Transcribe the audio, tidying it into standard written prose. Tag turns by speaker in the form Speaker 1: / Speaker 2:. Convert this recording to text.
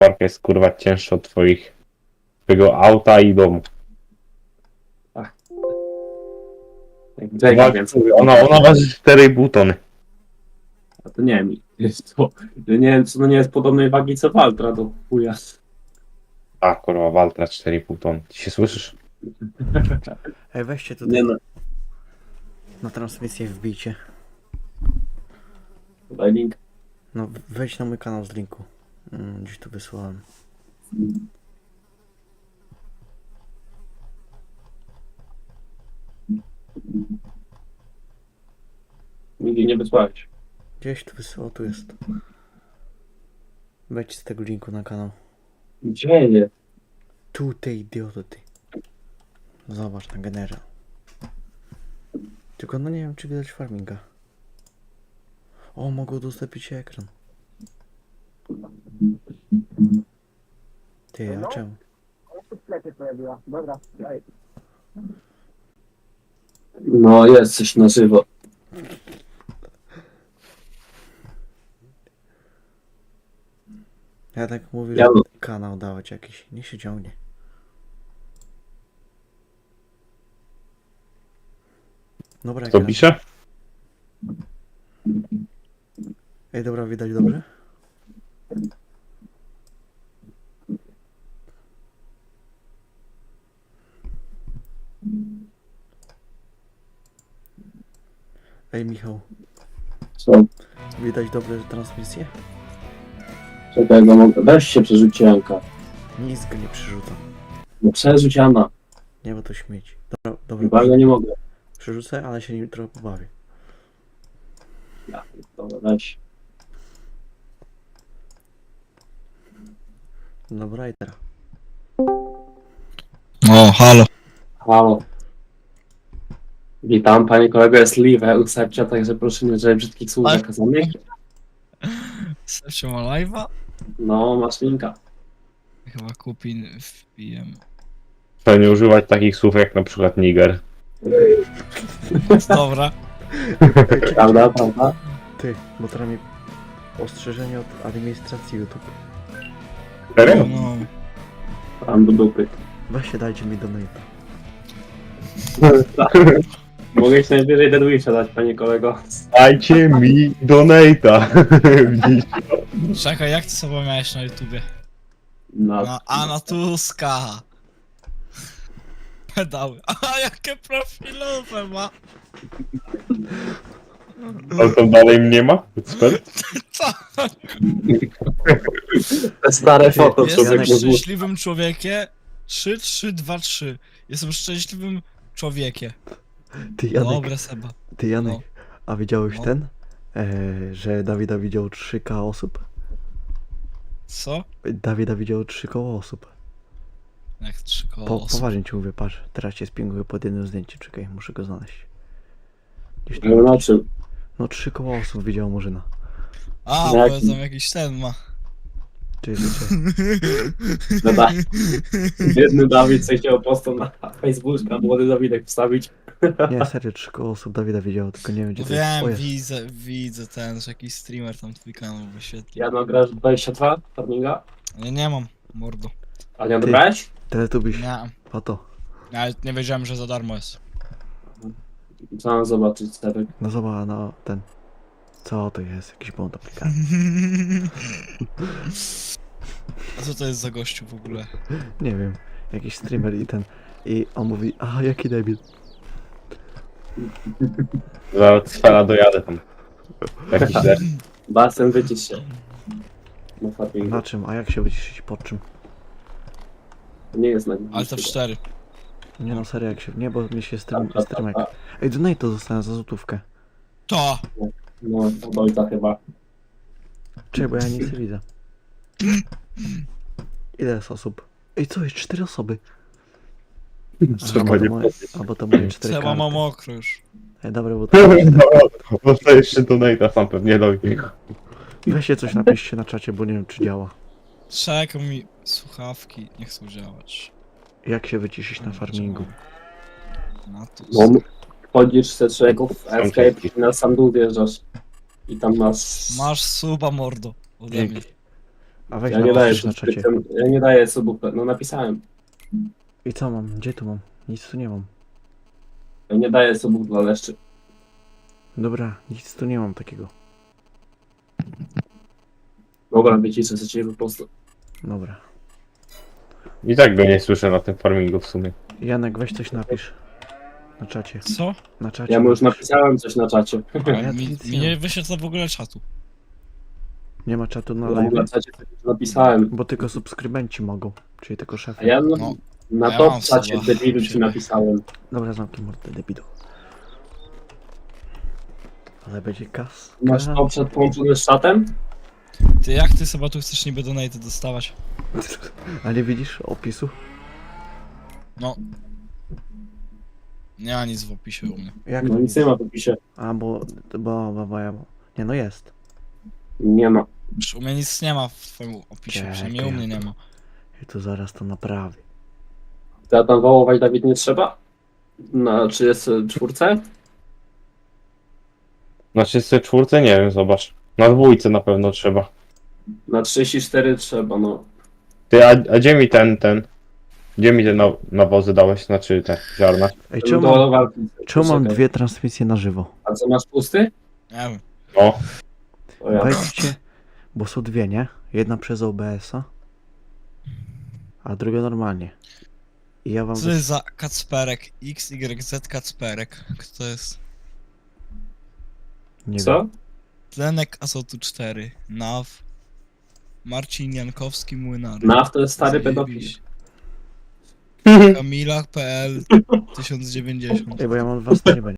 Speaker 1: Parka jest kurwa cięższa od twojego auta i domu.
Speaker 2: Jake, więc
Speaker 1: Ona waży 4,5 tony.
Speaker 2: a to nie wiem, jest to, nie wiem, co to nie jest podobnej wagi co Valtra do chuja.
Speaker 1: A kurwa, Waltra 4,5 tony. Ty się słyszysz?
Speaker 3: Ej, weźcie tutaj
Speaker 2: Nie no,
Speaker 3: na transmisję wbijcie.
Speaker 2: daj link.
Speaker 3: No wejdź na mój kanał z linku. Gdzieś tu wysłałem.
Speaker 2: Nigdy nie wysłałeś.
Speaker 3: Gdzieś tu wysłał, tu jest. Wejdź z tego linku na kanał.
Speaker 2: Gdzie nie?
Speaker 3: Tu ty idioto ty. Zobacz na generał. Tylko no nie wiem czy widać farminga. O, mogę udostępnić ekran. Ty, a czemu?
Speaker 2: No jest coś na żywo.
Speaker 3: Ja tak mówię,
Speaker 2: Ja-
Speaker 3: że kanał dawać jakiś. Nie się ciągnie. Dobra,
Speaker 1: Kto
Speaker 3: ekran.
Speaker 1: pisze?
Speaker 3: Ej, dobra, widać dobrze? Ej, Michał,
Speaker 2: Co?
Speaker 3: widać dobrze transmisję?
Speaker 2: Czekaj, no mogę. Weź się przerzuć Janka.
Speaker 3: Nic go nie przerzucam.
Speaker 2: No przerzuć Jana.
Speaker 3: Nie, bo to śmieci. Dobra, dobra,
Speaker 2: Chyba ja nie mogę.
Speaker 3: przerzucę, ale się nim trochę pobawię.
Speaker 2: Ja, dobra, weź.
Speaker 3: Dobra, i teraz.
Speaker 4: O, halo.
Speaker 2: Halo. Witam, panie kolego, jest Liwe, ustawcie, także proszę nie używać brzydkich słów
Speaker 4: Ale-
Speaker 2: zakazanych.
Speaker 4: Sercio ma live'a?
Speaker 2: No, masz linka.
Speaker 4: Chyba Kupin wpijem.
Speaker 1: Trzeba nie używać takich słów jak na przykład Niger.
Speaker 4: Dobra.
Speaker 2: Prawda, prawda?
Speaker 3: Ty, bo teraz mi ostrzeżenie od administracji YouTube.
Speaker 1: Serio?
Speaker 4: No.
Speaker 2: Tam do dupy.
Speaker 3: Weźcie, dajcie mi donate.
Speaker 2: Mogę ci najwyżej Deadwisha dać, panie kolego.
Speaker 1: Dajcie mi donate'a. Widzicie?
Speaker 4: Czekaj, jak ty sobie miałeś na YouTubie?
Speaker 2: No,
Speaker 4: Na Anatuska. Pedały. A jakie profilowe ma.
Speaker 1: Ale to dalej mnie ma? Ekspert?
Speaker 4: Co?
Speaker 2: te stare foto,
Speaker 4: Jestem
Speaker 2: człowiek
Speaker 4: szczęśliwym człowiekiem. 3-3-2-3. Jestem szczęśliwym człowiekiem.
Speaker 3: Ty, Janek,
Speaker 4: Dobre, Seba.
Speaker 3: ty, Janek,
Speaker 4: No.
Speaker 3: a widziałeś
Speaker 4: No.
Speaker 3: ten? Że Dawida widział 3K osób?
Speaker 4: Co?
Speaker 3: Dawida widział 3 koło osób.
Speaker 4: Jak 3 koło osób.
Speaker 3: Poważnie ci mówię, patrz, teraz cię spinguję pod jednym zdjęciem, czekaj, muszę go znaleźć. Gdzieś tu.
Speaker 2: No, na czym?
Speaker 3: No 3 koło osób widział Murzyna.
Speaker 4: A,
Speaker 2: Na
Speaker 4: bo
Speaker 2: jakim?
Speaker 4: tam jakiś ten ma.
Speaker 3: Czy życie?
Speaker 2: No tak. Biedny Dawid coś chciał postą na Facebooka, młody Dawidek wstawić.
Speaker 3: Nie, serio, 3 koło osób Dawida widziało, tylko nie wiem gdzie
Speaker 4: No
Speaker 3: to jest. O,
Speaker 4: wiem,
Speaker 3: jest.
Speaker 4: widzę ten, że jakiś streamer tam twój kanał wyświetli.
Speaker 2: Ja nagrasz 22 farminga?
Speaker 4: Ja nie mam, mordo.
Speaker 2: A nie
Speaker 3: Ty.
Speaker 2: odebrałeś?
Speaker 3: Teletubiś,
Speaker 4: Nie.
Speaker 3: a to.
Speaker 4: Nawet nie wiedziałem, że za darmo jest.
Speaker 2: Co mam zobaczyć, Stefek?
Speaker 3: No zobacz, no ten. Co to jest? Jakiś błąd aplikacji.
Speaker 4: A co to jest za gościu w ogóle?
Speaker 3: Nie wiem, jakiś streamer i ten. I on mówi, a jaki debil.
Speaker 1: Zaraz sfera dojadę tam. Jakiś der.
Speaker 2: Basen, wycisz się. Na farmingu.
Speaker 3: Na czym? A jak się wyciszyć? Pod czym?
Speaker 2: To nie jest na
Speaker 4: Ale to w 4.
Speaker 3: Nie no, serio, jak się. Nie, bo mi się streamek.
Speaker 2: a.
Speaker 3: Ej, donate to dostanę za złotówkę.
Speaker 4: To!
Speaker 2: No, od ojca chyba.
Speaker 3: Czekaj, bo ja nic nie widzę. Ile jest osób? Ej, co jest? 4 osoby.
Speaker 1: Trzeba nie
Speaker 3: Albo to moje 4
Speaker 4: Trzeba ma
Speaker 3: karty.
Speaker 4: mokro już.
Speaker 3: Ej, dobra, bo to...
Speaker 1: Dostajesz się donate'a sam pewnie do nich.
Speaker 3: Weźcie coś napiszcie na czacie, bo nie wiem czy działa.
Speaker 4: Czekaj mi słuchawki, nie chcą działać.
Speaker 3: Jak się wyciszyć na farmingu?
Speaker 4: Na to.
Speaker 2: No, wchodzisz z trzeków, escape
Speaker 1: dzięki.
Speaker 2: i na sam dół wjeżdżasz. I tam masz...
Speaker 4: Masz suba, mordo. Ode mnie.
Speaker 3: Dzięki. A weź
Speaker 2: Ja nie daję
Speaker 3: napisz na czacie.
Speaker 2: subskrypcjom, ja nie daję subów, no napisałem.
Speaker 3: I co mam? Gdzie tu mam? Nic tu nie mam.
Speaker 2: Ja nie daję subów dla leszczy.
Speaker 3: Dobra, nic tu nie mam takiego.
Speaker 2: Dobra, wyciszę sobie cię po prostu.
Speaker 3: Dobra.
Speaker 1: I tak go nie słyszę na tym farmingu w sumie.
Speaker 3: Janek, weź coś napisz. Na czacie.
Speaker 4: Co?
Speaker 3: Na czacie.
Speaker 2: Ja mu już
Speaker 3: napisz.
Speaker 2: napisałem coś na czacie.
Speaker 3: ja
Speaker 4: Mi,
Speaker 3: nic
Speaker 4: mi
Speaker 3: nie
Speaker 4: nie
Speaker 3: mam.
Speaker 4: wyświetla w ogóle czatu.
Speaker 3: Nie ma czatu na
Speaker 2: Ja mu
Speaker 3: live.
Speaker 2: na czacie coś już napisałem.
Speaker 3: Bo tylko subskrybenci mogą. Czyli tylko szefy.
Speaker 2: A ja
Speaker 4: No.
Speaker 2: na
Speaker 4: Ja
Speaker 2: top
Speaker 4: mam
Speaker 2: czacie
Speaker 4: suba.
Speaker 2: debilu ci napisałem.
Speaker 3: Dobra, zamknij mordę, debilu. Ale będzie kas.
Speaker 2: Masz top chat połączony z czatem?
Speaker 4: Ty jak ty sobie tu chcesz niby donate dostawać?
Speaker 3: A nie widzisz opisu?
Speaker 4: No. Nie ma nic w opisie u mnie.
Speaker 3: Jak
Speaker 2: No
Speaker 3: to
Speaker 2: nic nie ma w opisie.
Speaker 3: A, bo. Nie, no jest.
Speaker 2: Nie ma.
Speaker 4: Już u mnie nic nie ma w twoim opisie,
Speaker 3: Czekaj,
Speaker 4: przynajmniej u mnie nie ma.
Speaker 3: I tu zaraz to naprawię.
Speaker 2: To ja tam wołować Dawid nie trzeba? Na 34?
Speaker 1: Na 34 nie wiem, zobacz. Na dwójce na pewno trzeba.
Speaker 2: Na 34 trzeba, no.
Speaker 1: Ty, a gdzie mi ten? Gdzie mi te nawozy dałeś? Znaczy te ziarna?
Speaker 3: Ej,
Speaker 2: Do
Speaker 3: czemu mam
Speaker 2: walki.
Speaker 3: mam
Speaker 2: Czekaj.
Speaker 3: dwie transmisje na żywo?
Speaker 2: A co masz pusty?
Speaker 4: Nie wiem.
Speaker 1: O,
Speaker 2: O ja.
Speaker 3: Wejdźcie, bo są dwie, nie? Jedna przez OBS-a, a druga normalnie. I ja wam...
Speaker 4: Co to jest za Kacperek? XYZ Kacperek. Kto to jest?
Speaker 3: Nie
Speaker 2: Co?
Speaker 3: wiem.
Speaker 4: Tlenek Azotu 4. NAW. Marcin Jankowski Młynary.
Speaker 2: NAW to jest stary pedofil.
Speaker 4: Zajebiście. Kamila.pl 1090.
Speaker 3: Ej, bo ja mam dwa streamy,